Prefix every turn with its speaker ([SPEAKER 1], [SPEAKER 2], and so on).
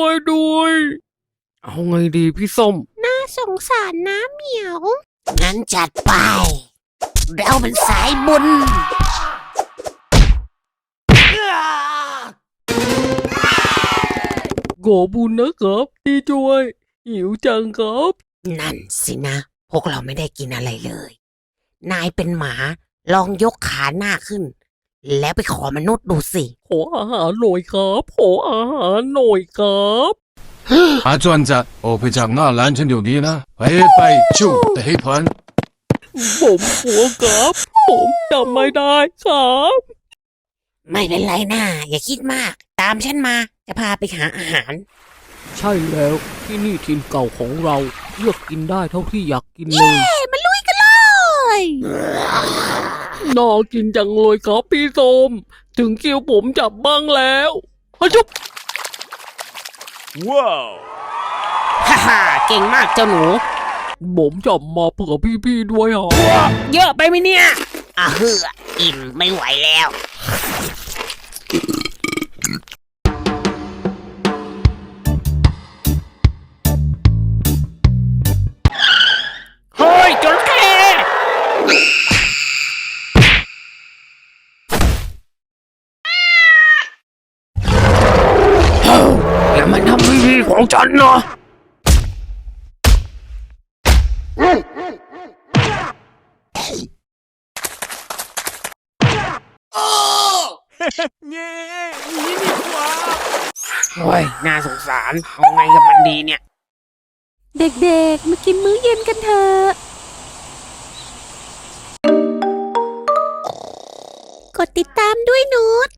[SPEAKER 1] ด้วยเอาไงดีพี่ส้ม
[SPEAKER 2] น่าสงสารนะเหมียวงั้นจัดไปเราเป็นสายบุญ
[SPEAKER 1] ขอบุญนะครับที่ช่วยหิวจังครับ
[SPEAKER 2] นั่นสินะพวกเราไม่ได้กินอะไรเลยนายเป็นหมาลองยกขาหน้าขึ้นแล้วไปขอมนุษย์ดูสิ
[SPEAKER 1] ขออาหารหน่อยครับขออาหารหน่อยครับ
[SPEAKER 3] 阿轉澤，我被長那懶成條啲啦，喂ไปชูแต่ให้พัน
[SPEAKER 1] ผมกลัวครับผมจำไม่ได้ครับ
[SPEAKER 2] ไม่เป็นไรนะอย่าคิดมากตามฉันมาจะพาไปหาอาหาร
[SPEAKER 1] ใช่แล้วที่นี่ถิ่นเก่าของเราเลือกกินได้เท่าที่อยากกินเลย
[SPEAKER 2] มาลุยกันเลย
[SPEAKER 1] น่ากินจังเลยครับพี่ส้มถึงคิวผมจับบ้างแล้วฮะจุ๊บ
[SPEAKER 2] ว้าวฮ่าฮ่าเก่งมากเจ้าหนู
[SPEAKER 1] ผมจับมาเผื่อพี่ๆด้วยอ่ะ
[SPEAKER 2] เยอะไปไหมเนี่ยเฮืออิ่มไม่ไหวแล้วเฮ้ยจระเข้
[SPEAKER 1] อย่ามาทำพี่ๆของฉันนะ
[SPEAKER 2] โอ้ยน่าสงสารเอาไงกับมันดีเนี่ย
[SPEAKER 4] เด็กๆมากินมื้อเย็นกันเถอะกดติดตามด้วยนูต